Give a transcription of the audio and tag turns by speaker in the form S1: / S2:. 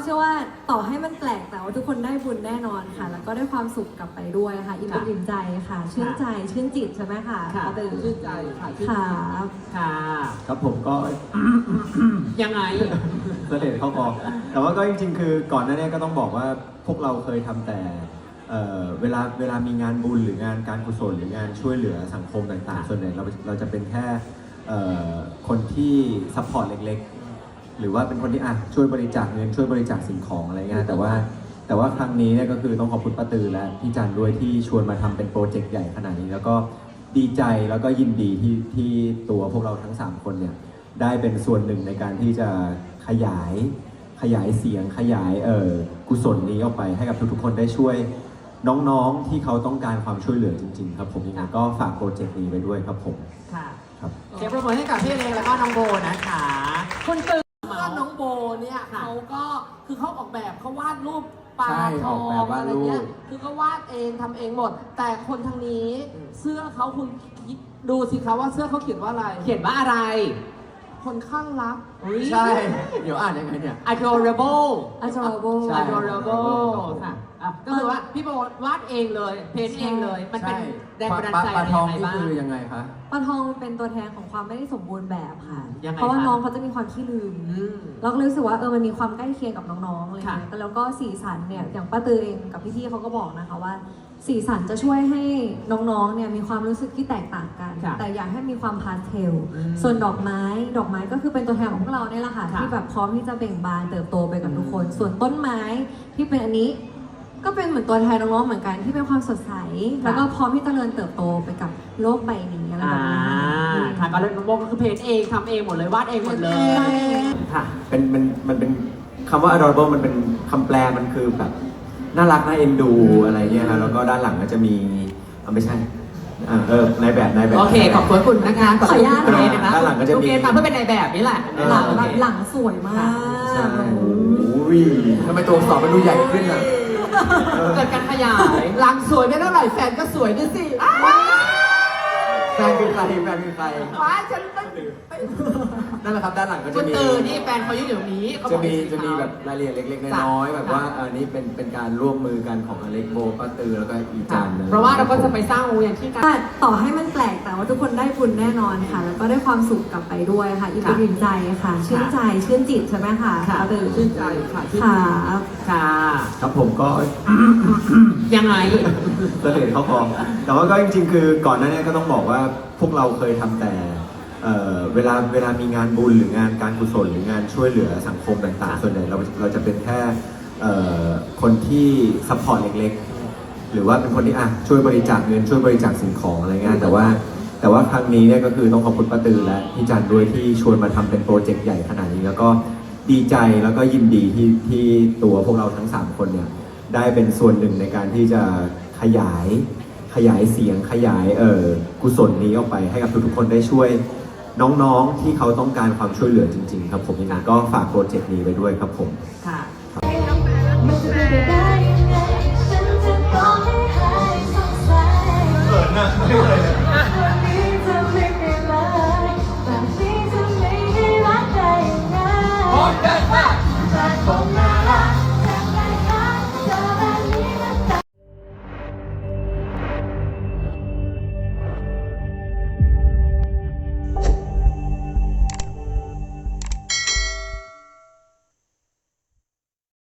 S1: ชื่อว่าต่อให้มันแปลกแต่ว่าทุกคนได้บุญแน่นอนค่ะแล้วก็ได้ความสุขกลับไปด้วยค่ะอิ่มอกอิ่มใจค่ะชื่นใจชื่นจิตใช่ไหมคะ
S2: ชื่นใจค่ะ
S3: ค่ะ
S4: ครับผมก็
S3: ยังไง
S4: เสด็จเข้าคอแต่ว่าก็จริงๆคือก่อนหน้านี้ก็ต้องบอกว่าพวกเราเคยทำแต่เวลามีงานบุญหรืองานการกุศลหรืองานช่วยเหลือสังคมต่างๆส่วนใหญ่เราจะเป็นแค่คนที่ซัพพอร์ตเล็กๆหรือว่าเป็นคนที่ช่วยบริจาคเงินช่วยบริจาคสิ่งของอะไรเงี้ยแต่ว่าครั้งนี้เนี่ยก็คือต้องขอบคุณป้าตือและพี่จันด้วยที่ชวนมาทำเป็นโปรเจกต์ใหญ่ขนาดนี้แล้วก็ดีใจแล้วก็ยินดีที่ตัวพวกเราทั้ง3คนเนี่ยได้เป็นส่วนหนึ่งในการที่จะขยายเสียงขยายกุศลนี้ออกไปให้กับทุกๆคนได้ช่วยน้องๆที่เขาต้องการความช่วยเหลือจริงๆครับผมยังไงก็ฝากโปรเจกต์นี้ไว้ด้วยครับผม
S3: ค่ะ
S4: ครับ
S3: เสียงปรบมือให้กับพี่เล็กแล้วก็น้องโบนะคะคุณตื่น
S2: เพื่อนน้องโบเนี่ยเขาก็คือเขาออกแบบเขาวาดรูปปลาทองอะไรเงี้ยคือเขาวาดเองทำเองหมด แต่คนทางนี้เสื้อเขาคุณดูสิคะว่าเสื้อเขาเขียนว่าอะไร
S3: เขียนว่าอะไร
S2: คนข้างรัก
S4: ใช่เดี๋ยวอ่านยังไงเนี่ย
S3: adorable
S1: adorable
S4: ใช่
S3: adorable ค่ะก็คือว่าพี่โบวาดเองเลยเพ้นท์เองเลยมันเป็นแรงบันดาลใจ
S4: ปลาทอง
S3: อะไร
S4: นี่
S3: บ้าง
S4: คือยังไงคะ
S1: ปลาทองเป็นตัวแทนของความไม่ได้สมบูรณ์แบบค่ะ
S3: ยังไง
S1: เพราะว่า
S3: คะ
S1: น้องเขาจะมีความขี้ลืมเราก็รู้สึกว่ามันมีความใกล้เคียงกับน้องๆอะไร
S3: ค่ะ
S1: เงี้ยแต่แล้วก็สีสันเนี่ยอย่างป้าตือเองกับพี่ๆเขาก็บอกนะคะว่าสีสันจะช่วยให้น้องๆเนี่ยมีความรู้สึกที่แตกต่างกัน
S3: ค่ะ
S1: แต่อยากให้มีความพาสเทล
S3: อืม
S1: ส่วนดอกไม้ก็คือเป็นตัวแทนของพวกเราเนี่ยแหละค่ะ
S3: ค่ะ
S1: ที่แบบพร้อมที่จะเบ่งบานเติบโตไปกับทุกคน ส่วนต้นไม้ที่เป็นอันนี้ก็เป็นเหมือนตัวแทนน้องๆเหมือนกันที่เป็นความสดใสแล้วก็พร้อมที่จะเจริญเติบโตไปกับโลกใบนี้อะไรแบบนี้
S3: ค่ะก็เลยน้องโบก็คือเพ้นท์เองทำเองหมดเลยวาดเองหมดเลยค่ะ
S4: มันเป็นคำว่า adorable มันเป็นคำแปลมันคือแบบน่ารักน่าเอ็นดูอะไรเงี้ยฮะแล้วก็ด้านหลังก็จะมีไม่ใช่นายแบบ
S3: โอเคขอบคุณนะคะ
S1: ขออนุญาต
S3: เกรซนะคะ
S4: ด้านหลังก็จะมี
S3: เกรซมาเพื่อเป็นนายแบบนี่แหละ
S1: หลังสวยมาก
S4: ใช่โอ้ยทำไมตัวอักษรมันดูใหญ่ขึ้นอ่ะ
S3: เกิดการขยาย
S2: หลังสวยไม่เท่าไหร่แฟนก็สวยด้วยสิ
S4: แฟนคือใคร
S2: ว้าฉันไม่
S4: นั่นแหละครับด้านหลังก็
S3: คุ
S4: จะ
S3: ณ
S4: มี
S3: ตือนี่แฟนเขาอยู่เดี๋ยวนี้เขาบ
S4: จะ
S3: อก
S4: มีแบบรายละเอียดเล็กๆน้อยๆแบบว่าอันนี้เป็นการร่วมมือกันของอเล็กโบป้าตือแล้วก็อีจัน
S3: เพราะว่าเราก็จะไปสร้างโรงเรียนที่กัน
S1: ต่อให้มันแปลกแต่ว่าทุกคนได้บุญแน่นอนค่ะ แล้วก็ได้ความสุขกลับไปด้วยค่ะอิ่มอกอิ่มใจค่ะชื่นใจชื่นจิตใช่ไหมคะ
S2: ชื่นใจค่ะ
S1: ค่ะ
S3: ค่ะ
S4: ครับผมก็
S3: ยังไง
S4: เสด็จเข้าคอแต่ว่าก็จริงๆคือก่อนหน้านี้ก็ต้องบอกว่าพวกเราเคยทำแต่เวลามีงานบุญหรืองานการกุศลหรืองานช่วยเหลือสังคมต่างๆส่วนใหญ่เราจะเป็นแค่คนที่ซัพพอร์ตเล็กๆหรือว่าเป็นคนที่ช่วยบริจาคเงินช่วยบริจาคสิ่งของอะไรเงี้ยแต่ว่าครั้งนี้เนี่ยก็คือต้องขอบคุณป้าตือและพี่จันด้วยที่ชวนมาทำเป็นโปรเจกต์ใหญ่ขนาดนี้แล้วก็ดีใจแล้วก็ยินดีที่ตัวพวกเราทั้ง3คนเนี่ยได้เป็นส่วนหนึ่งในการที่จะขยายเสียงขยายกุศลนี้ออกไปให้กับทุกๆคนได้ช่วยน้องๆที่เขาต้องการความช่วยเหลือจริงๆครับผมยังไงก็ฝากโปรเจกต์นี้ไว้ด้วยครับผม
S3: ค่ะ
S5: มันจะเป็นไปได้ยังไงฉันจะต้องให้หายสงสัย